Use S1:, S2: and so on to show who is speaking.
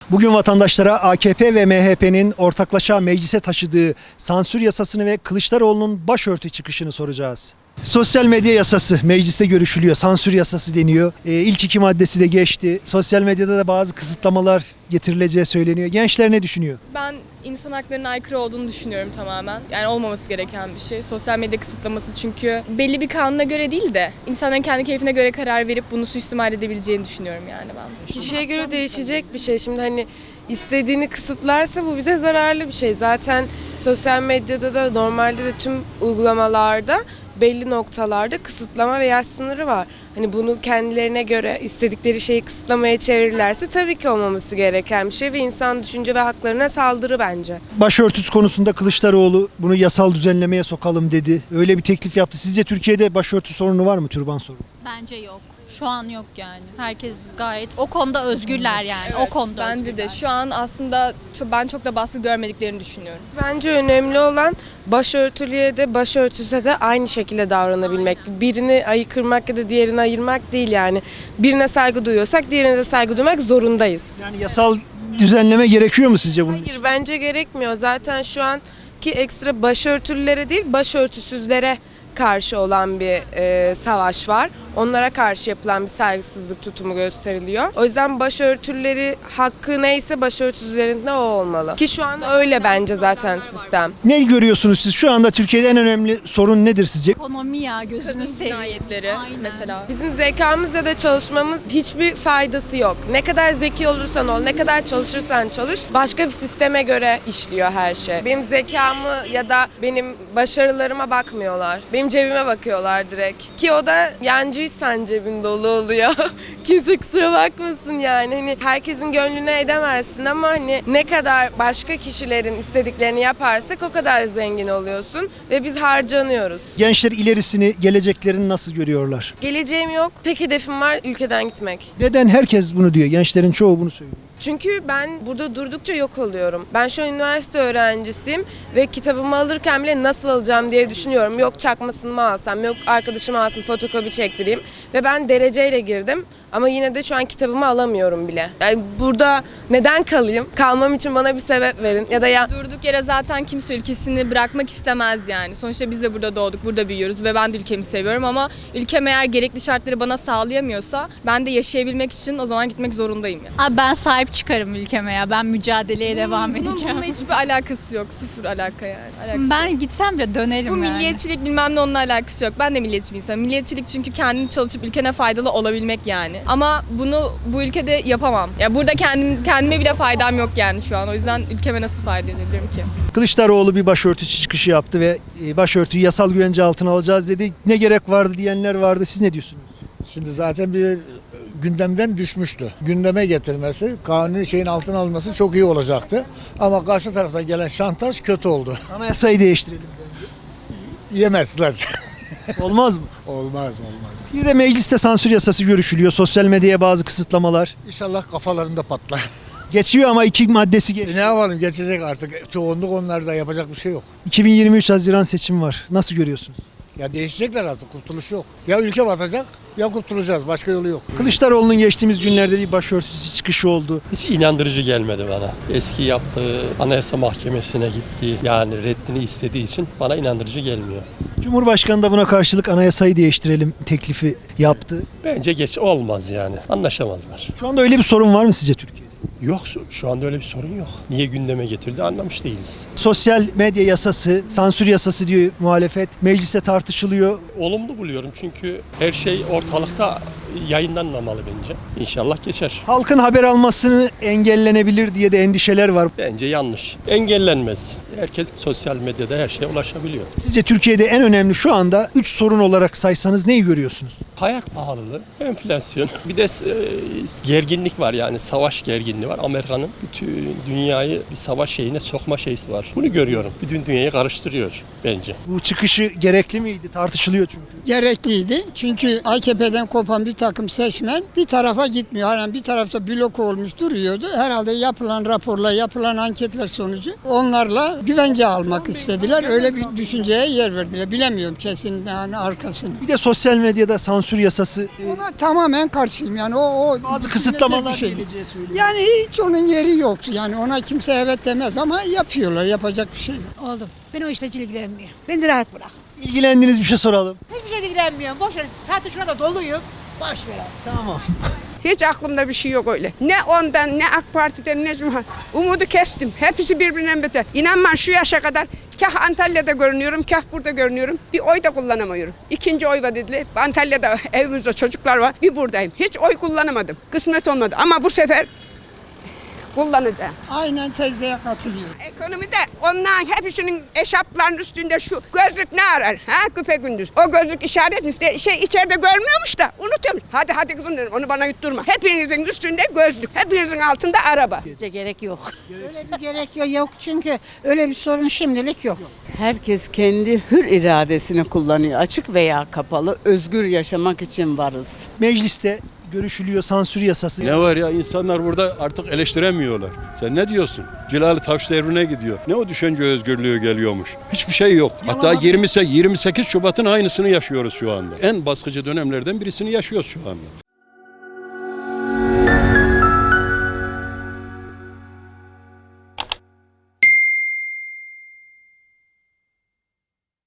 S1: Bugün vatandaşlara AKP ve MHP'nin ortaklaşa meclise taşıdığı sansür yasasını ve Kılıçdaroğlu'nun başörtü çıkışını soracağız. Sosyal medya yasası mecliste görüşülüyor. Sansür yasası deniyor. İlk iki maddesi de geçti. Sosyal medyada da bazı kısıtlamalar getirileceği söyleniyor. Gençler ne düşünüyor?
S2: Ben insan haklarına aykırı olduğunu düşünüyorum tamamen. Yani olmaması gereken bir şey. Sosyal medya kısıtlaması çünkü belli bir kanuna göre değil de insanların kendi keyfine göre karar verip bunu suistimal edebileceğini düşünüyorum yani ben.
S3: Kişiye göre değişecek bir şey. Şimdi hani istediğini kısıtlarsa bu bize zararlı bir şey. Zaten sosyal medyada da normalde de tüm uygulamalarda belli noktalarda kısıtlama ve yaş sınırı var. Hani bunu kendilerine göre istedikleri şeyi kısıtlamaya çevirirlerse tabii ki olmaması gereken bir şey ve insan düşünce ve haklarına saldırı bence.
S1: Başörtüsü konusunda Kılıçdaroğlu bunu yasal düzenlemeye sokalım dedi. Öyle bir teklif yaptı. Sizce Türkiye'de başörtü sorunu var mı? Türban sorunu?
S4: Bence yok. Şu an yok yani. Herkes gayet o konuda özgürler yani.
S2: Evet,
S4: o konuda
S2: bence
S4: özgürler.
S2: de şu an aslında ben çok da baskı görmediklerini düşünüyorum.
S3: Bence önemli olan başörtülüye de başörtüse de aynı şekilde davranabilmek. Birini ayıkırmak ya da diğerini ayırmak değil yani. Birine saygı duyuyorsak diğerine de saygı duymak zorundayız.
S1: Yani yasal düzenleme gerekiyor mu sizce bunun için?
S3: Hayır bence gerekmiyor. Zaten şu anki ekstra başörtülülere değil başörtüsüzlere karşı olan bir savaş var. Onlara karşı yapılan bir saygısızlık tutumu gösteriliyor. O yüzden başörtüleri hakkı neyse başörtüsüzlerin de o olmalı. Ki şu an öyle bence zaten sistem.
S1: Ne görüyorsunuz siz? Şu anda Türkiye'de en önemli sorun nedir sizce?
S4: Ekonomi ya gözünü
S2: Kadın
S4: seveyim.
S2: cinayetleri
S4: Aynen.
S2: mesela.
S3: Bizim zekamız ya da çalışmamız hiçbir faydası yok. Ne kadar zeki olursan ol, ne kadar çalışırsan çalış, başka bir sisteme göre işliyor her şey. Benim zekamı ya da benim başarılarıma bakmıyorlar. Benim cebime bakıyorlar direkt. Ki o da yancıysan cebin dolu oluyor. Kimse kusura bakmasın yani. Hani herkesin gönlüne edemezsin ama hani ne kadar başka kişilerin istediklerini yaparsak o kadar zengin oluyorsun ve biz harcanıyoruz.
S1: Gençler ilerisini, geleceklerini nasıl görüyorlar?
S3: Geleceğim yok. Tek hedefim var ülkeden gitmek.
S1: Neden herkes bunu diyor? Gençlerin çoğu bunu söylüyor.
S3: Çünkü ben burada durdukça yok oluyorum. Ben şu an üniversite öğrencisiyim ve kitabımı alırken bile nasıl alacağım diye düşünüyorum. Yok çakmasını mı alsam, yok arkadaşım alsın fotokopi çektireyim. Ve ben dereceyle girdim ama yine de şu an kitabımı alamıyorum bile. Yani burada neden kalayım? Kalmam için bana bir sebep verin. Ya da
S2: Durduk yere zaten kimse ülkesini bırakmak istemez yani. Sonuçta biz de burada doğduk, burada büyüyoruz ve ben de ülkemi seviyorum ama ülkem eğer gerekli şartları bana sağlayamıyorsa ben de yaşayabilmek için o zaman gitmek zorundayım yani.
S4: Abi ben sahip çıkarım ülkeme ya. Ben mücadeleye devam edeceğim.
S2: Bununla hiçbir alakası yok. Sıfır alaka yani. Alakası yok.
S4: Ben gitsem bile dönerim
S2: Bu
S4: yani.
S2: milliyetçilik bilmem ne onunla alakası yok. Ben de milliyetçi bir insanım. Milliyetçilik çünkü kendini çalışıp ülkene faydalı olabilmek yani. Ama bunu bu ülkede yapamam. Ya burada kendime bile faydam yok yani şu an. O yüzden ülkeme nasıl fayda edebilirim ki?
S1: Kılıçdaroğlu bir başörtüsü çıkışı yaptı ve başörtüyü yasal güvence altına alacağız dedi. Ne gerek vardı diyenler vardı. Siz ne diyorsunuz?
S5: Şimdi zaten bir gündemden düşmüştü. Gündeme getirmesi, kanuni şeyin altına alınması çok iyi olacaktı. Ama karşı taraftan gelen şantaj kötü oldu.
S1: Anayasayı değiştirelim.
S5: Yemezler.
S1: Olmaz mı?
S5: Olmaz.
S1: Bir de mecliste sansür yasası görüşülüyor. Sosyal medyaya bazı kısıtlamalar.
S5: İnşallah kafalarında patlar.
S1: Geçiyor ama iki maddesi
S5: Ne yapalım, geçecek artık. Çoğunluk onlarda, yapacak bir şey yok.
S1: 2023 Haziran seçimi var. Nasıl görüyorsunuz?
S5: Ya değişecekler artık, kurtuluş yok. Ya ülke batacak ya kurtulacağız, başka yolu yok.
S1: Kılıçdaroğlu'nun geçtiğimiz günlerde bir başörtüsü çıkışı oldu.
S6: Hiç inandırıcı gelmedi bana. Eski yaptığı Anayasa Mahkemesi'ne gittiği yani reddini istediği için bana inandırıcı gelmiyor.
S1: Cumhurbaşkanı da buna karşılık anayasayı değiştirelim teklifi yaptı.
S6: Bence geç olmaz yani. Anlaşamazlar.
S1: Şu anda öyle bir sorun var mı sizce Türkiye'de?
S6: Yok şu anda öyle bir sorun yok. Niye gündeme getirdi anlamış değiliz.
S1: Sosyal medya yasası, sansür yasası diyor muhalefet. Mecliste tartışılıyor.
S6: Olumlu buluyorum çünkü her şey ortalıkta yayınlanmamalı bence. İnşallah geçer.
S1: Halkın haber almasını engellenebilir diye de endişeler var.
S6: Bence yanlış. Engellenmez. Herkes sosyal medyada her şeye ulaşabiliyor.
S1: Sizce Türkiye'de en önemli şu anda 3 sorun olarak saysanız neyi görüyorsunuz?
S6: Hayat pahalılığı, enflasyon, bir de gerginlik var yani savaş gerginliği var. Amerika'nın bütün dünyayı bir savaş şeyine sokma şeysi var. Bunu görüyorum. Bütün dünyayı karıştırıyor bence.
S1: Bu çıkışı gerekli miydi? Tartışılıyor çünkü.
S7: Gerekliydi. Çünkü AKP'den kopan bir takım seçmen bir tarafa gitmiyor. Halen bir tarafta blok olmuş duruyordu. Herhalde yapılan raporlar, yapılan anketler sonucu onlarla güvence almak istediler. Öyle bir düşünceye yer verdiler. Bilemiyorum kesin yani arkasını.
S1: Bir de sosyal medyada sansür yasası
S7: Ona tamamen karşıyım yani o
S1: bazı kısıtlamalar
S7: bir şey.
S1: geleceği söyleniyor.
S7: Yani hiç onun yeri yok. Yani ona kimse evet demez ama yapıyorlar. Yapacak bir şey yok.
S8: Oğlum ben o işle hiç ilgilenmiyorum. Beni rahat bırak.
S1: İlgilendiğiniz bir şey soralım.
S8: Hiçbir şey ilgilenmiyorum. Boş ver. Zaten şu anda doluyum. Boş ver abi.
S1: Tamam.
S9: Hiç aklımda bir şey yok öyle. Ne ondan, ne AK Parti'den, ne Cumhur. Umudu kestim. Hepsi birbirinden beter. İnanma şu yaşa kadar kah Antalya'da görünüyorum, kah burada görünüyorum. Bir oy da kullanamıyorum. İkinci oy var dediler. Antalya'da evimizde çocuklar var. Bir buradayım. Hiç oy kullanamadım. Kısmet olmadı. Ama bu sefer kullanacağım.
S7: Aynen teyzeye katılıyorum.
S9: Ekonomide onların hepsinin eşaplarının üstünde şu gözlük ne arar? Ha küpe gündüz. O gözlük işaretmiş. İçeride görmüyormuş da unutuyormuş. Hadi kızım dedim onu bana yutturma. Hepinizin üstünde gözlük. Hepinizin altında araba.
S8: Bizce gerek yok. Öyle bir gerek yok çünkü öyle bir sorun şimdilik yok.
S10: Herkes kendi hür iradesini kullanıyor. Açık veya kapalı özgür yaşamak için varız.
S1: Mecliste görüşülüyor sansür yasası.
S11: Ne var ya, insanlar burada artık eleştiremiyorlar. Sen ne diyorsun? Cilalı Taş devrine gidiyor. Ne o düşünce özgürlüğü geliyormuş? Hiçbir şey yok. Hatta 28 Şubat'ın aynısını yaşıyoruz şu anda. En baskıcı dönemlerden birisini yaşıyoruz şu anda.